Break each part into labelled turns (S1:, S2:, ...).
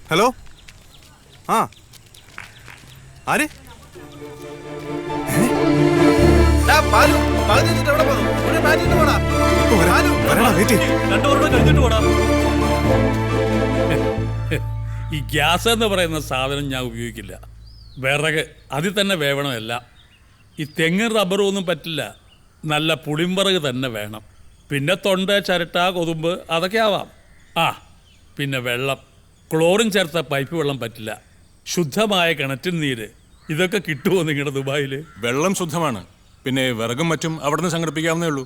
S1: Hello. ആ ആര്?
S2: ഈ ഗ്യാസ് എന്ന് പറയുന്ന സാധനം ഞാൻ ഉപയോഗിക്കില്ല. വിറക് അതിൽ തന്നെ വേവണമല്ല. ഈ തെങ്ങും റബ്ബറും ഒന്നും പറ്റില്ല. നല്ല പുളിമ്പറക് തന്നെ വേണം. പിന്നെ തൊണ്ട, ചിരട്ട, കൊതുമ്പ് അതൊക്കെ ആവാം. ആ പിന്നെ വെള്ളം, ക്ലോറിൻ ചേർത്ത പൈപ്പ് വെള്ളം പറ്റില്ല. ശുദ്ധമായ കിണറ്റിൻ നീര് ഇതൊക്കെ കിട്ടുമോ നിങ്ങളുടെ ദുബായിൽ?
S1: വെള്ളം ശുദ്ധമാണ്. പിന്നെ വിറകും മറ്റും അവിടെ നിന്ന് സംഘടിപ്പിക്കാവുന്നേ ഉള്ളൂ.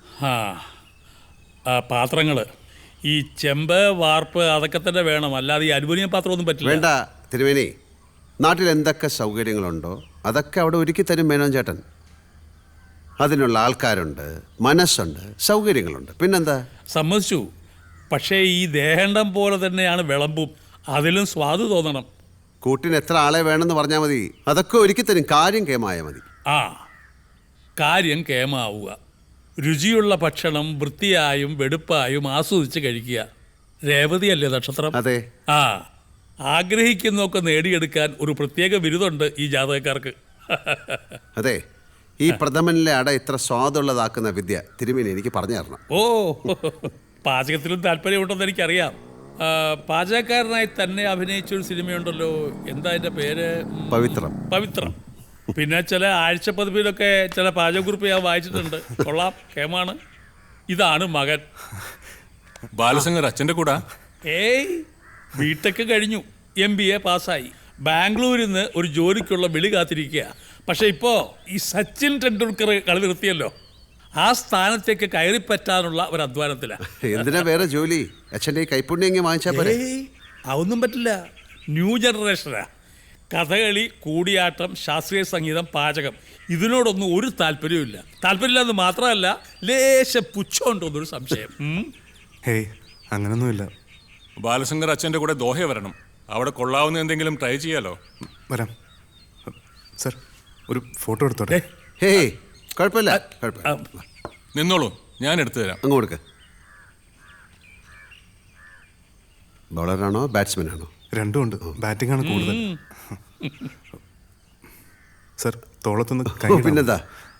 S2: പാത്രങ്ങൾ ഈ ചെമ്പ്, വാർപ്പ് അതൊക്കെ തന്നെ വേണം. അല്ലാതെ ഈ അലുമിനിയം പാത്രമൊന്നും പറ്റില്ല.
S3: വേണ്ട തിരുമേനി, നാട്ടിൽ എന്തൊക്കെ സൗകര്യങ്ങളുണ്ടോ അതൊക്കെ അവിടെ ഒരുക്കി തരും മേനോൻ ചേട്ടൻ. അതിനുള്ള ആൾക്കാരുണ്ട്, മനസ്സുണ്ട്, സൗകര്യങ്ങളുണ്ട്. പിന്നെന്താ?
S2: സമ്മതിച്ചു. പക്ഷേ ഈ ദേഹണ്ഡം പോലെ തന്നെയാണ് വിളമ്പും. അതിലും സ്വാദ് തോന്നണം.
S3: കൂട്ടിന് എത്ര ആളെ വേണമെന്ന് പറഞ്ഞാൽ മതി, അതൊക്കെ ഒരുക്കി തരും. കാര്യം കേമായ മതി.
S2: കാര്യം കേമാവുക. രുചിയുള്ള ഭക്ഷണം വൃത്തിയായും വെടുപ്പായും ആസ്വദിച്ച് കഴിക്കുക. രേവതിയല്ലേ നക്ഷത്രം?
S3: അതെ.
S2: ആഗ്രഹിക്കുന്നൊക്കെ നേടിയെടുക്കാൻ ഒരു പ്രത്യേക ബിരുദമുണ്ട് ഈ ജാതകക്കാർക്ക്.
S3: അതെ, ഈ പ്രഥമനിലെ അട ഇത്ര സ്വാദുള്ളതാക്കുന്ന വിദ്യ തിരുമേനി എനിക്ക് പറഞ്ഞു തരണം.
S2: പാചകത്തിലും താല്പര്യമുണ്ടെന്ന് എനിക്കറിയാം. പാചകക്കാരനായി തന്നെ അഭിനയിച്ചൊരു സിനിമയുണ്ടല്ലോ, എന്താ അതിൻ്റെ പേര്? പവിത്രം. പിന്നെ ചില ആഴ്ചപ്പതിപ്പിലൊക്കെ ചില പാചകക്കുറിപ്പ് ഞാൻ വായിച്ചിട്ടുണ്ട്. കൊള്ളാം, കേമാണ്. ഇതാണ് മകൻ
S1: ബാലശങ്കർ. അച്ഛൻ്റെ കൂടെ?
S2: ബിടെക് കഴിഞ്ഞു, MBA പാസ്സായി. ബാംഗ്ലൂരിൽ നിന്ന് ഒരു ജോലിക്കുള്ള വിളി കാത്തിരിക്കുക. പക്ഷെ ഇപ്പോൾ ഈ സച്ചിൻ ടെണ്ടുൽക്കർ കളി നിർത്തിയല്ലോ, ആ സ്ഥാനത്തേക്ക് കയറിപ്പറ്റാനുള്ള ഒരു അധ്വാനത്തിലാണ്.
S3: എന്തിനാ വേറെ ജോലി? അച്ഛൻ്റെ കൈപ്പുണ്യം വാങ്ങിച്ചാൽ പോലെ.
S2: അതൊന്നും പറ്റില്ല. ന്യൂ ജനറേഷനാ. കഥകളി, കൂടിയാട്ടം, ശാസ്ത്രീയ സംഗീതം, പാചകം ഇതിനോടൊന്നും ഒരു താല്പര്യമില്ല. താല്പര്യമില്ലെന്ന് മാത്രമല്ല, ലേശ പുച്ഛമുണ്ടോന്നൊരു സംശയം.
S4: ഹേയ്, അങ്ങനൊന്നുമില്ല.
S1: ബാലശങ്കർ അച്ഛൻ്റെ കൂടെ ദോഹ വരണം. അവിടെ കൊള്ളാവുന്ന എന്തെങ്കിലും ട്രൈ ചെയ്യാലോ.
S4: വരാം സർ, ഒരു ഫോട്ടോ എടുത്തോട്ടെ?
S3: ഹേയ്, കുഴപ്പമില്ല.
S1: നിന്നോളൂ, ഞാൻ എടുത്തു തരാം.
S3: അങ്ങ് കൊടുക്ക. ബോളറാണോ ബാറ്റ്സ്മാനാണോ?
S4: രണ്ടും ഉണ്ട്. ബാറ്റിംഗ് ആണ് കൂടുതൽ. സർ, തോളത്തൊന്ന് കൈ.
S3: പിന്നെന്താ?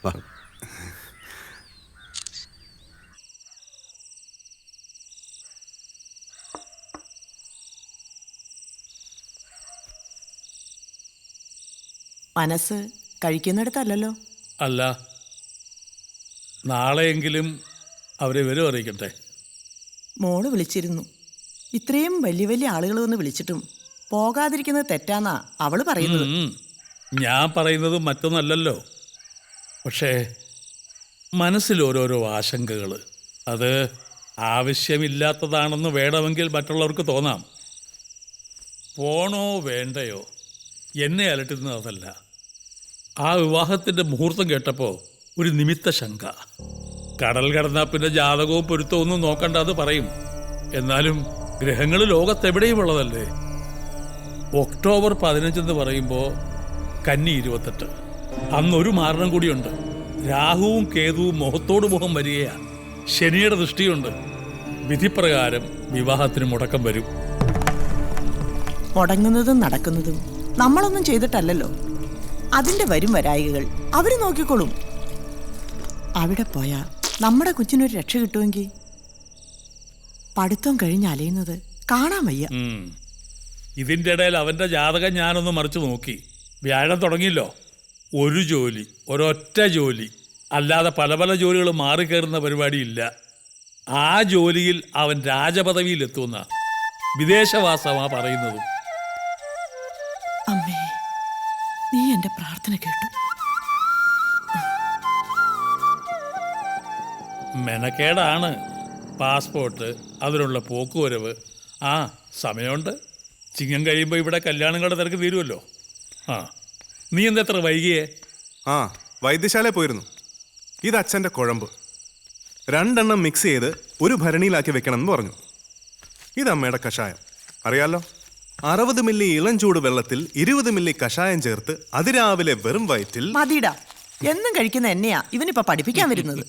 S5: മനസ്സ് കഴിക്കുന്നിടത്തല്ലോ.
S2: അല്ല, നാളെയെങ്കിലും അവരെ വിവരം അറിയിക്കട്ടെ.
S5: മോള് വിളിച്ചിരുന്നു. ഇത്രയും വലിയ വലിയ ആളുകൾ വന്ന് വിളിച്ചിട്ടും പോകാതിരിക്കുന്നത് തെറ്റാന്നാ അവള് പറയുന്നത്.
S2: ഞാൻ പറയുന്നത് മറ്റൊന്നല്ലല്ലോ. പക്ഷേ മനസ്സിൽ ഓരോരോ ആശങ്കകൾ. അത് ആവശ്യമില്ലാത്തതാണെന്ന് വേണമെങ്കിൽ മറ്റുള്ളവർക്ക് തോന്നാം. പോണോ വേണ്ടയോ എന്നെ അലട്ടുന്നത് അതല്ല. ആ വിവാഹത്തിൻ്റെ മുഹൂർത്തം കേട്ടപ്പോൾ ഒരു നിമിത്ത ശങ്ക. കടൽ കടന്നാൽ പിന്നെ ജാതകവും പൊരുത്തവും ഒന്നും നോക്കണ്ടെന്ന് പറയും. എന്നാലും ഗ്രഹങ്ങൾ ലോകത്തെവിടെയും ഉള്ളതല്ലേ. ഒക്ടോബർ 15 എന്ന് പറയുമ്പോൾ കന്നി 28. അന്നൊരു മാരണം കൂടിയുണ്ട്. രാഹുവും കേതുവും മുഖത്തോട് മുഖം വരികയാണ്. ശനിയുടെ ദൃഷ്ടിയുണ്ട്. വിധിപ്രകാരം വിവാഹത്തിന് മുടക്കം വരും.
S5: മുടങ്ങുന്നതും നടക്കുന്നതും നമ്മളൊന്നും ചെയ്തിട്ടല്ലല്ലോ. അതിന്റെ വരും വരായികൾ അവര് നോക്കിക്കോളും. അവിടെ പോയാ നമ്മുടെ കൊച്ചിനൊരു രക്ഷ കിട്ടുമെങ്കിൽ പഠിത്തം കഴിഞ്ഞ് അലയുന്നത് കാണാൻ വയ്യ.
S2: ഇതിൻ്റെ ഇടയിൽ അവൻ്റെ ജാതകം ഞാനൊന്ന് മറിച്ച് നോക്കി. വ്യാഴം തുടങ്ങിയല്ലോ. ഒരു ജോലി, ഒരൊറ്റ ജോലി, അല്ലാതെ പല പല ജോലികൾ മാറിക്കയറുന്ന പരിപാടിയില്ല. ആ ജോലിയിൽ അവൻ രാജപദവിയിലെത്തുന്ന വിദേശവാസമാ പറയുന്നതും.
S5: അമ്മേ, നീ എന്റെ പ്രാർത്ഥന കേട്ടു.
S2: മെനക്കേടാണ്. പാസ്പോർട്ട്, അതിനുള്ള പോക്കുവരവ്. സമയമുണ്ട്. ചിങ്ങം കഴിയുമ്പോൾ ഇവിടെ കല്യാണങ്ങളുടെ തിരക്ക് തീരുമല്ലോ. നീ എന്തെത്ര വൈകിയേ?
S4: വൈദ്യശാല പോയിരുന്നു. ഇത് അച്ഛൻ്റെ കുഴമ്പ്. 2 എണ്ണം മിക്സ് ചെയ്ത് ഒരു ഭരണിയിലാക്കി വെക്കണം എന്ന് പറഞ്ഞു. ഇത് അമ്മയുടെ കഷായം. അറിയാലോ, 60 മില്ലി ഇളം ചൂട് വെള്ളത്തിൽ 20 മില്ലി കഷായം ചേർത്ത് അതിരാവിലെ വെറും വയറ്റിൽ.
S5: മതിടാ, എന്നും കഴിക്കുന്ന എന്നെയാ ഇവനിപ്പോ പഠിപ്പിക്കാൻ വരുന്നത്.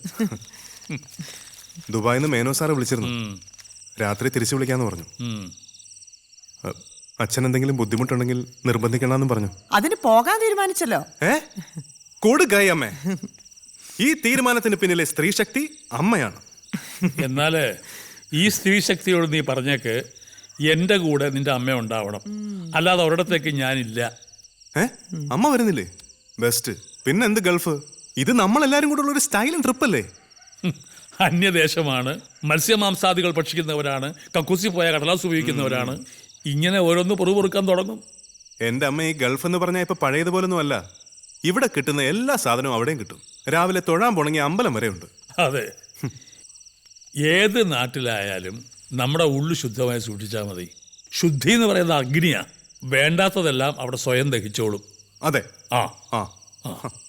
S4: ദുബായിന്ന് മേനോ സാറ് വിളിച്ചിരുന്നു. രാത്രി തിരിച്ചു വിളിക്കാന്ന് പറഞ്ഞു. അച്ഛൻ എന്തെങ്കിലും ബുദ്ധിമുട്ടുണ്ടെങ്കിൽ നിർബന്ധിക്കണമെന്നും പറഞ്ഞു.
S5: അതിന് പോകാൻ തീരുമാനിച്ചല്ലോ.
S4: കൊടുക്കായി അമ്മേ. ഈ തീരുമാനത്തിന് പിന്നിലെ സ്ത്രീശക്തി അമ്മയാണ്.
S2: എന്നാൽ ഈ സ്ത്രീശക്തിയോട് നീ പറഞ്ഞേക്ക് എൻ്റെ കൂടെ നിന്റെ അമ്മ ഉണ്ടാവണം, അല്ലാതെ ഒരിടത്തേക്ക് ഞാനില്ല.
S4: അമ്മ വരുന്നില്ലേ? ബെസ്റ്റ്. പിന്നെ എന്ത് ഗൾഫ്? ഇത് നമ്മളെല്ലാരും കൂടെ ഉള്ള ഒരു സ്റ്റൈലൻ ട്രിപ്പ് അല്ലേ?
S2: അന്യദേശമാണ്, മത്സ്യമാംസാദികൾ ഭക്ഷിക്കുന്നവരാണ്, കക്കൂസി പോയ കടലാസ് ഉപയോഗിക്കുന്നവരാണ്. ഇങ്ങനെ ഓരോന്ന് പൊറുപൊറുക്കാൻ തുടങ്ങും.
S4: എൻ്റെ അമ്മ ഈ ഗൾഫ് എന്ന് പറഞ്ഞാൽ ഇപ്പൊ പഴയതുപോലൊന്നും അല്ല. ഇവിടെ കിട്ടുന്ന എല്ലാ സാധനവും അവിടെയും കിട്ടും. രാവിലെ തൊഴാൻ പോണെങ്കിൽ അമ്പലം വരെ ഉണ്ട്.
S2: അതെ, ഏത് നാട്ടിലായാലും നമ്മുടെ ഉള്ളു ശുദ്ധമായി സൂക്ഷിച്ചാൽ മതി. ശുദ്ധി എന്ന് പറയുന്ന അഗ്നിയാ. വേണ്ടാത്തതെല്ലാം അവിടെ സ്വയം ദഹിച്ചോളും.
S4: അതെ.
S2: ആ
S4: ആ